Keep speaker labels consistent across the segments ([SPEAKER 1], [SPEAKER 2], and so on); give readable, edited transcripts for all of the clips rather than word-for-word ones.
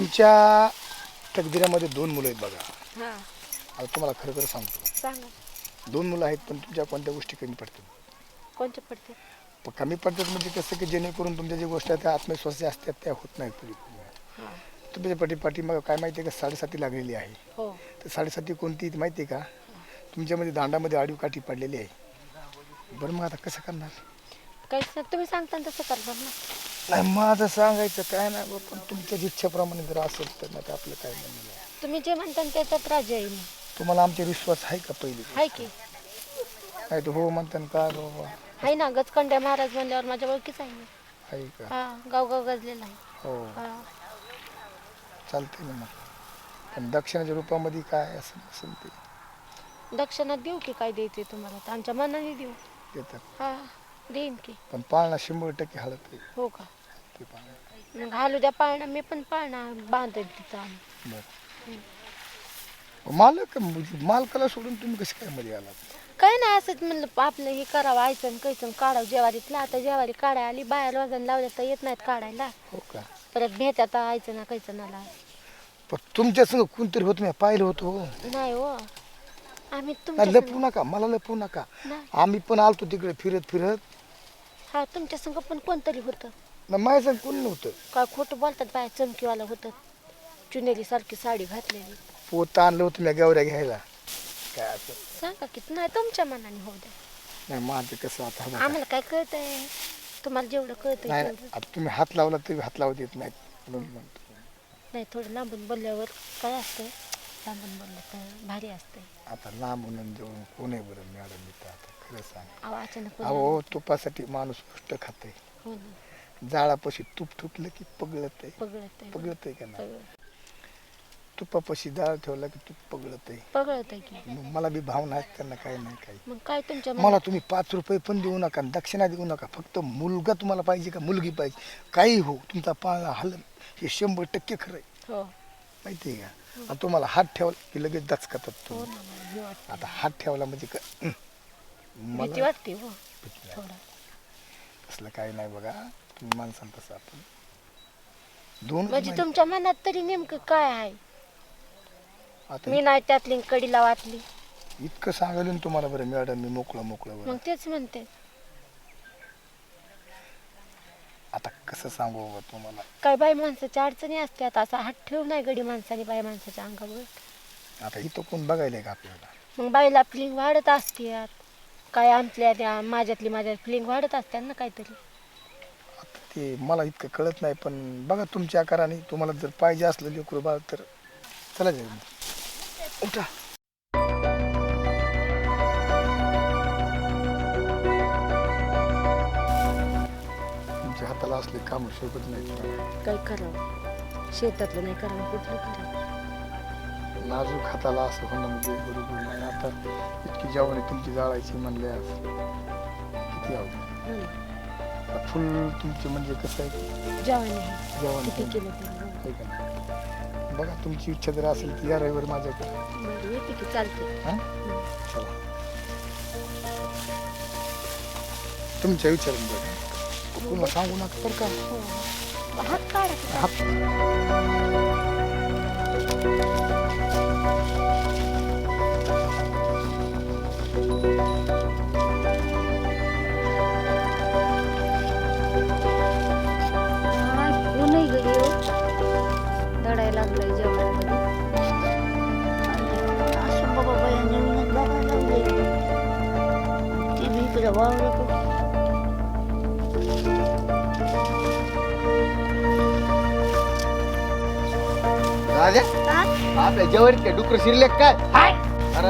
[SPEAKER 1] तुमच्या तकदीरामध्ये 2 मुलं आहेत बघा.
[SPEAKER 2] हा
[SPEAKER 1] आता तुम्हाला खरं खरं सांगतो,
[SPEAKER 2] सांगा
[SPEAKER 1] 2 मुलं आहेत, पण तुमच्या कोणत्या गोष्टी कमी पडतात?
[SPEAKER 2] कोणते पडते?
[SPEAKER 1] कमी पडतात म्हणजे कसं की जेणेकरून तुमच्या ज्या गोष्टी आहेत त्या आत्मविश्वासी असतात त्या होत नाहीत पुढे.
[SPEAKER 2] हा
[SPEAKER 1] तुमच्या पाठीमागं काय माहिती आहे का, 7.5 लागलेली आहे.
[SPEAKER 2] हो
[SPEAKER 1] तर 7.5 कोणती ती माहिती आहे का? तुमच्यामध्ये दांडामध्ये आडवी काठी पडलेली आहे. बरं मग आता कसं करणार?
[SPEAKER 2] काहीच नाही, तुम्ही सांगता तसं करणार ना.
[SPEAKER 1] नाही माझं सांगायचं काय नाही बा, पण तुमच्या इच्छेप्रमाणे जर असेल तर नाही तर आपलं काय म्हणणं नाही.
[SPEAKER 2] तुम्ही जे म्हणता त्याच्यात राजी आहे मी.
[SPEAKER 1] तुम्हाला आमचे विश्वास आहे का पहिली?
[SPEAKER 2] आहे की
[SPEAKER 1] काय तर हो म्हणताना काय बाबा
[SPEAKER 2] आहे ना. गजकंड्या महाराज म्हणल्यावर माझ्या ओळखीच आहे ना.
[SPEAKER 1] आहे का?
[SPEAKER 2] हा गाव गजलेला आहे.
[SPEAKER 1] हो
[SPEAKER 2] हा
[SPEAKER 1] चालते ना मग. पण दक्षिणाच्या रूपामध्ये काय असं असेल ते
[SPEAKER 2] दक्षिणा देऊ की काय द्यायचे तुम्हाला? तर आमच्या मनाने देऊ.
[SPEAKER 1] देतात.
[SPEAKER 2] हा देईन की.
[SPEAKER 1] पण पाळणा 100% हलत आहे
[SPEAKER 2] हो का?
[SPEAKER 1] ते पाळणा.
[SPEAKER 2] मग घालू द्या पाळणा, मी पण पाळणा बांधेल तिथं आम्ही.
[SPEAKER 1] बरं मालकाला सोडून तुम्ही कशी काय मध्ये आलात?
[SPEAKER 2] काय नाही, असंच म्हणलं आपलं हे करावं, आयचं कैचं काढावं जेवारीतलं. आता जेवारी काढायला आली, बाहेर वजन लावल्या तर येत नाहीत काढायला.
[SPEAKER 1] हो का?
[SPEAKER 2] परत भेटत आयचं ना कैचं नाला.
[SPEAKER 1] पण तुमच्या संग कोणतरी होतं, मी पाहिलं होतं हो.
[SPEAKER 2] नाही हो, आम्ही
[SPEAKER 1] नाही,
[SPEAKER 2] तुमच्या
[SPEAKER 1] लपवू नका, मला लपवू नका.
[SPEAKER 2] नाही.
[SPEAKER 1] आम्ही पण आलतो तिकडे फिरत फिरत.
[SPEAKER 2] हा तुमच्या संग पण कोणतरी होतं.
[SPEAKER 1] ना माझ्या संग कोण नव्हतं.
[SPEAKER 2] काय खोटं बोलतात बाय, चमकीवाला होतं, चुनेली सारखी साडी घातलेली.
[SPEAKER 1] पोत आणलं होतं मी गवऱ्या घ्यायला. काय असं
[SPEAKER 2] सांगा की. नाही तुमच्या मनाने होऊ द्या.
[SPEAKER 1] नाही माझं कसं आता बघा.
[SPEAKER 2] आम्हाला काय कळतंय, तुम्हाला जेवढं कळतंय
[SPEAKER 1] नाही
[SPEAKER 2] तेवढं.
[SPEAKER 1] आता तुम्ही हात लावला तरी हात लावू देत नाहीत म्हणून म्हणतो.
[SPEAKER 2] नाही थोडं लांबून बोलल्यावर काय असतंय, लांबून बोललं तर भारी असतंय.
[SPEAKER 1] आता लांबून देऊन कोण आहे बरं मॅडम? मी तर आता खरं सांग.
[SPEAKER 2] अहो अचानक
[SPEAKER 1] अहो तुपासाठी माणूस गोष्ट खाते.
[SPEAKER 2] हो ना.
[SPEAKER 1] जाळापाशी तूप ठुकलं की पगळत आहे.
[SPEAKER 2] पगळत आहे.
[SPEAKER 1] पगळत आहे का नाही?
[SPEAKER 2] पगळत
[SPEAKER 1] तुपापाशी जाळ ठेवला की तूप पगळत आहे.
[SPEAKER 2] पगळत आहे की.
[SPEAKER 1] मग मला बी भावना आहेत त्यांना, काही नाही काही.
[SPEAKER 2] मग काय तुमच्या
[SPEAKER 1] मला तुम्ही 5 रुपये पण देऊ नका, दक्षिणा देऊ नका. फक्त मुलगा तुम्हाला पाहिजे का मुलगी पाहिजे? काही हो, तुमचा पाळणा हलन हे 100% खरं आहे.
[SPEAKER 2] हो
[SPEAKER 1] माहिती आहे का? आणि तुम्हाला हात ठेवला की लगेच दचकतात
[SPEAKER 2] हो
[SPEAKER 1] तुम्ही.
[SPEAKER 2] ना. मला भीती वाटते.
[SPEAKER 1] आता हात ठेवला म्हणजे
[SPEAKER 2] भीती वाटते हो थोडं.
[SPEAKER 1] तसलं काही नाही बघा. तुम्ही माणसाल तसं आपण 2
[SPEAKER 2] म्हणजे तुमच्या मनात तरी नेमकं काय आहे?
[SPEAKER 1] आता
[SPEAKER 2] मी नाही त्यातली कडीला वाटली.
[SPEAKER 1] इतकं सांगायला ना तुम्हाला बरं मॅडम, मी मोकळं बरं.
[SPEAKER 2] मग तेच म्हणते.
[SPEAKER 1] आता कसं सांगू बाबा तुम्हाला?
[SPEAKER 2] काय बाई माणसाच्या अडचणी असतात, असा हात ठेवू नाही गडी माणसाने बाई माणसाच्या अंगावर.
[SPEAKER 1] आता इथं कोण बघायला का आपल्याला?
[SPEAKER 2] मग बाईला फिलिंग वाढत असतात. काय आमच्या त्या माझ्या फिलिंग वाढत असतात ना काहीतरी.
[SPEAKER 1] आता ते मला इतकं कळत नाही, पण बघा तुमच्या आकाराने तुम्हाला जर पाहिजे असलं लेकरू बाळ तर चला जाईल. उठा. तुमच्या हाताला असले काम शोभत नाही.
[SPEAKER 2] काय करावं, शेतातलं नाही करावं, कुठलं करावं.
[SPEAKER 1] नाजूक हाताला असं होणं म्हणजे बरोबर नाही. आता इतकी जवानी तुमची जाळायची म्हणल्यास किती आवडत.
[SPEAKER 2] हो ना.
[SPEAKER 1] फुल तुमचे म्हणजे कसं आहे
[SPEAKER 2] जेवण आहे.
[SPEAKER 1] जेवण
[SPEAKER 2] किती केलं तरी हो.
[SPEAKER 1] आहे का नाही? बघा तुमची इच्छा जर असेल तर या रविवारी माझ्याकडे.
[SPEAKER 2] बरं येते की, चालते.
[SPEAKER 1] हां चला. तुमच्या विचारून बघा, पुन्हा सांगू नका बरं का.
[SPEAKER 2] हो. हात काढा.
[SPEAKER 1] हात
[SPEAKER 2] ऊनही घरी हो. दडायला लागलाय जेवणामध्ये.
[SPEAKER 3] असं बाबा बाया नवीनच बघायला लागले. ते बी इकडे वावरत होते.
[SPEAKER 4] राजा आपल्या जेवारीत काय डुकर शिरले काय? अरे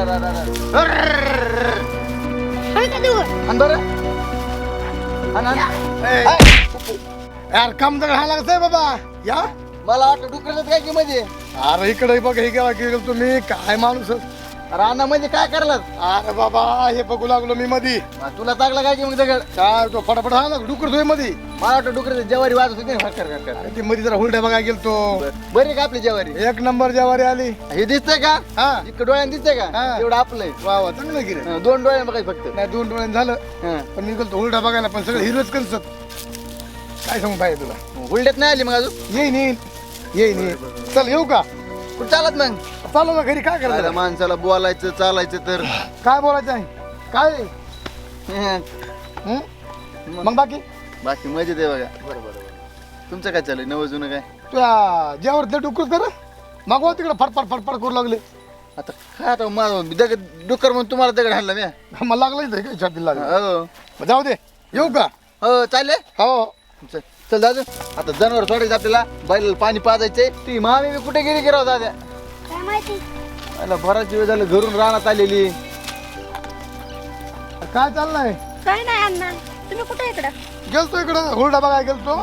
[SPEAKER 1] यार काम तर घाला कसं आहे बाबा. या
[SPEAKER 4] मला वाटलं डुकरच काय की म्हणजे
[SPEAKER 1] अरे इकडे बघ, हे गेला गेलो तुम्ही काय माणूस.
[SPEAKER 4] राणा म्हणजे काय करलास?
[SPEAKER 1] अरे बाबा हे बघू लागलो मी मधी.
[SPEAKER 4] तुला चांगला काय की मग दगड?
[SPEAKER 1] काय तो फटाफट हा ना डुकर तुझ्या मधी.
[SPEAKER 4] मला वाटतं डुकर जेवारी वाजत होती ना.
[SPEAKER 1] अरे ती मध्ये जरा हुलड्या बघायला गेलतो.
[SPEAKER 4] बरी का आपली जेवारी?
[SPEAKER 1] 1 नंबर जेवारी आली.
[SPEAKER 4] हे दिसतंय का?
[SPEAKER 1] हा
[SPEAKER 4] इतकं डोळ्यानं दिसतंय का?
[SPEAKER 1] हा.
[SPEAKER 4] एवढं आपलंय.
[SPEAKER 1] वा वा चांगलं गिरे.
[SPEAKER 4] 2 डोळ्यानं बघायचं फक्त.
[SPEAKER 1] नाही 2 डोळ्यानं झालं,
[SPEAKER 4] हं.
[SPEAKER 1] पण मी गेलतो हुलडा बघायला, पण सगळं हिरोच कन्सत. काय सांगू पाहिजे तुला?
[SPEAKER 4] हुलड्यात नाही आली मग अजून?
[SPEAKER 1] येईन येईन. येईन ये. चल येऊ का
[SPEAKER 4] कुठं चालत मग
[SPEAKER 1] चालू ना घरी काय
[SPEAKER 4] आयला
[SPEAKER 1] करायचं
[SPEAKER 4] माणसाला बोलायचं चालायचं तर
[SPEAKER 1] काय बोलायचं आहे काय
[SPEAKER 4] हं.
[SPEAKER 1] मग बाकी
[SPEAKER 4] बाकी मजेत आहे बघा बरोबर तुमचं काय चालू नवं जुनं काय
[SPEAKER 1] तुझ्या जेवर ते डुकर कर मागवा तिकडे फडफड फडफड करू लागले
[SPEAKER 4] आता काय आता माझं दगड डुक्कर म्हणून तुम्हाला दगड हाणला मी
[SPEAKER 1] मला लागलं इथं काय छातीला लागलं
[SPEAKER 4] हो
[SPEAKER 1] मग जाऊ दे येऊ का
[SPEAKER 4] हो चालले
[SPEAKER 1] हो
[SPEAKER 4] चल चल दादा आता जनावर सोडायचं आपल्याला बैलाला पाणी पाजायचंय ती मामी मी कुठे गेली गिराव दादा
[SPEAKER 2] काय माहिती
[SPEAKER 4] मला बराच वेळ झालं घरून रानात आलेली
[SPEAKER 1] काय चाललंय
[SPEAKER 2] काय नाही अण्णा तुम्ही कुठे इकडं
[SPEAKER 1] गेलतो इकडं हुरडा बघायला गेलतो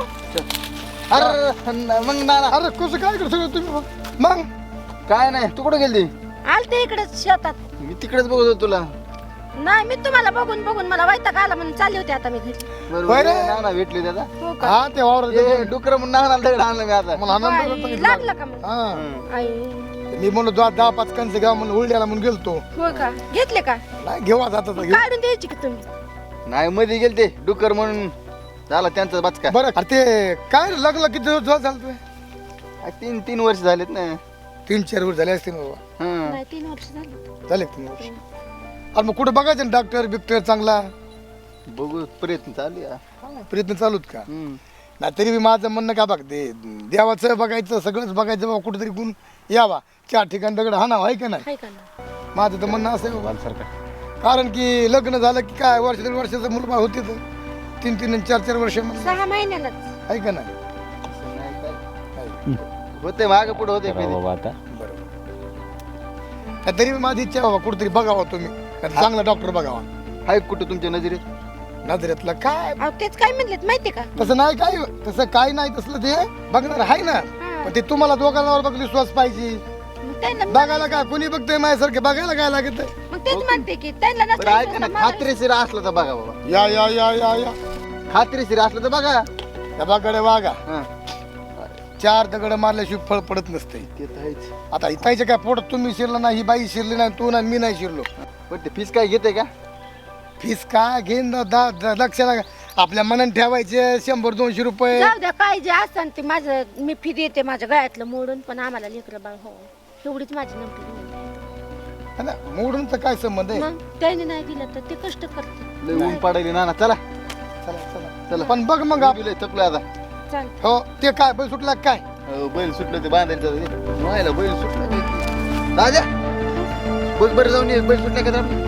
[SPEAKER 4] अरे मग ना
[SPEAKER 1] अरे कसं काय इकडं सगळं तुम्ही मग
[SPEAKER 4] काय नाही तू कुठे गेली
[SPEAKER 2] आलते इकडे शेतात
[SPEAKER 4] मी तिकडेच बघत होतो तुला
[SPEAKER 2] नाही मी तुम्हाला बघून बघून मला वैताग आला म्हणून चालले होते आता मी घरी
[SPEAKER 4] बरोबर
[SPEAKER 1] रे.
[SPEAKER 4] ना भेटली दादा
[SPEAKER 2] हो का
[SPEAKER 1] हा ते वावर
[SPEAKER 4] डुकर म्हणून नाना दगड आणलं मी आता
[SPEAKER 1] मला आनंद
[SPEAKER 2] बाई,
[SPEAKER 1] होता.
[SPEAKER 2] लागलं का मग
[SPEAKER 1] हा
[SPEAKER 2] आई
[SPEAKER 1] मी म्हणलो 10-5 कंच घ्या म्हणून हुरड्याला म्हणून गेलतो
[SPEAKER 2] हो का घेतले का
[SPEAKER 1] नाही घेऊ आता घेऊ
[SPEAKER 2] काढून द्यायची की तुम्ही
[SPEAKER 4] नाही मध्ये गेलते डुकर म्हणून झाला त्यांचा बचका
[SPEAKER 1] बरं अरे ते काय रे, लग्न किती दिवस झालं तुझे
[SPEAKER 4] 3 वर्ष झालेत ना
[SPEAKER 1] 3-4 वर्ष झाले असतील बाबा
[SPEAKER 4] हं.
[SPEAKER 2] नाही 3 वर्ष झाले
[SPEAKER 1] झाले 3 वर्ष अरे मग कुठं बघायचं ना डॉक्टर बिक्टर चांगला
[SPEAKER 4] बघू प्रयत्न चालू आहे.
[SPEAKER 1] प्रयत्न चालूत का
[SPEAKER 4] हं.
[SPEAKER 1] नाही तरी बी माझं म्हणणं का बघ ते देवाचं बघायचं सगळंच बघायचं बाबा कुठेतरी गुण यावा 4 ठिकाणी दगड हाणावा आहे का नाही
[SPEAKER 2] हाय का ना
[SPEAKER 1] माझं तर म्हणणं असं आहे बाबा कारण की लग्न झालं की काय वर्ष 1.5 वर्षाचं मुलगा होते तर 3-3 आणि 4-4 वर्ष आहे
[SPEAKER 2] 6 महिन्यालाच
[SPEAKER 1] का नाही
[SPEAKER 4] असं नाही काय. होते माग पुढे होते कधी.
[SPEAKER 1] बरोबर नाही, तरी बी माझी इच्छा आहे बाबा कुठेतरी बघावा तुम्ही नाही तर चांगला डॉक्टर बघावा
[SPEAKER 4] आहे कुठं तुमच्या नजरेत
[SPEAKER 1] नजरेतलं काय
[SPEAKER 2] अहो तेच काय म्हणलेत माहिती का
[SPEAKER 1] तसं नाही काय तसं काय नाही तसलं ते बघणार आहे ना पण ते तुम्हाला दोघांवर बघ विश्वास पाहिजे
[SPEAKER 2] मग त्यांना
[SPEAKER 1] बघायला काय कोणी बघतंय माझ्यासारखे बघायला काय लागत
[SPEAKER 2] मग तेच म्हणते की त्यांना
[SPEAKER 4] बरं ऐका ना
[SPEAKER 2] नसलं
[SPEAKER 4] खात्रीशीर असलं तर बघा बाबा
[SPEAKER 1] या या या या या
[SPEAKER 4] खात्रीशीर असलं तर बघा
[SPEAKER 1] त्या बागाडे वागा
[SPEAKER 4] हं.
[SPEAKER 1] 4 दगड मारल्याशिवाय फळ पडत नसते
[SPEAKER 4] ते तर आहेच.
[SPEAKER 1] आता इथायच्या काय पोटात तुम्ही शिरला नाही ही बाई शिरली नाही तू नाही मी नाही शिरलो
[SPEAKER 4] पण ते फीस काय घेते का
[SPEAKER 1] फीस काय घेईन लक्षाला आपल्या मनाने ठेवायचे 100-200 रुपये
[SPEAKER 2] जाऊ द्या काय जे असतं ते माझं मी फी देते माझ्या गळ्यातलं मोडून पण आम्हाला लेकरं बाळ हो एवढीच माझी नमकी
[SPEAKER 1] है ना मोडूनचा काय संबंध आहे
[SPEAKER 2] मग त्याने नाही दिलं तर ते कष्ट करते
[SPEAKER 4] लय ऊन पडायली ना चला
[SPEAKER 1] चला चला
[SPEAKER 4] चला
[SPEAKER 1] पण बघ मग
[SPEAKER 4] मी लय थकलोय आता
[SPEAKER 2] चाल
[SPEAKER 1] हो ते काय बैल सुटला काय
[SPEAKER 4] हो, बैल सुटलं ते बांधायचं व्हायला बैल सुटलं राजा बघ बरं जाऊन ये बैल सुटल्या का आपली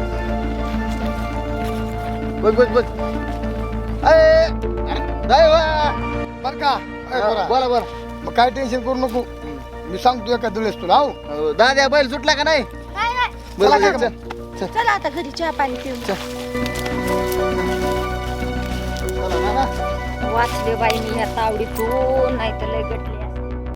[SPEAKER 4] बघ बघ बघ अरे जाय वा.
[SPEAKER 1] बर का अय, बरं.
[SPEAKER 4] बोला बोला
[SPEAKER 1] मग काय टेन्शन करू नको मी सांगतो एका दिवस तुला हो
[SPEAKER 4] हो, दाद्या बैल सुटला का नाही
[SPEAKER 2] नाही नाही
[SPEAKER 4] बरं
[SPEAKER 1] चला
[SPEAKER 4] बरं,
[SPEAKER 1] का
[SPEAKER 4] चल.
[SPEAKER 2] चला आता घरी चहा पाणी पिऊन
[SPEAKER 4] चला, ना, ना.
[SPEAKER 2] वाचले बाई मी ह्या तावडीतून नाही तर लय गटलं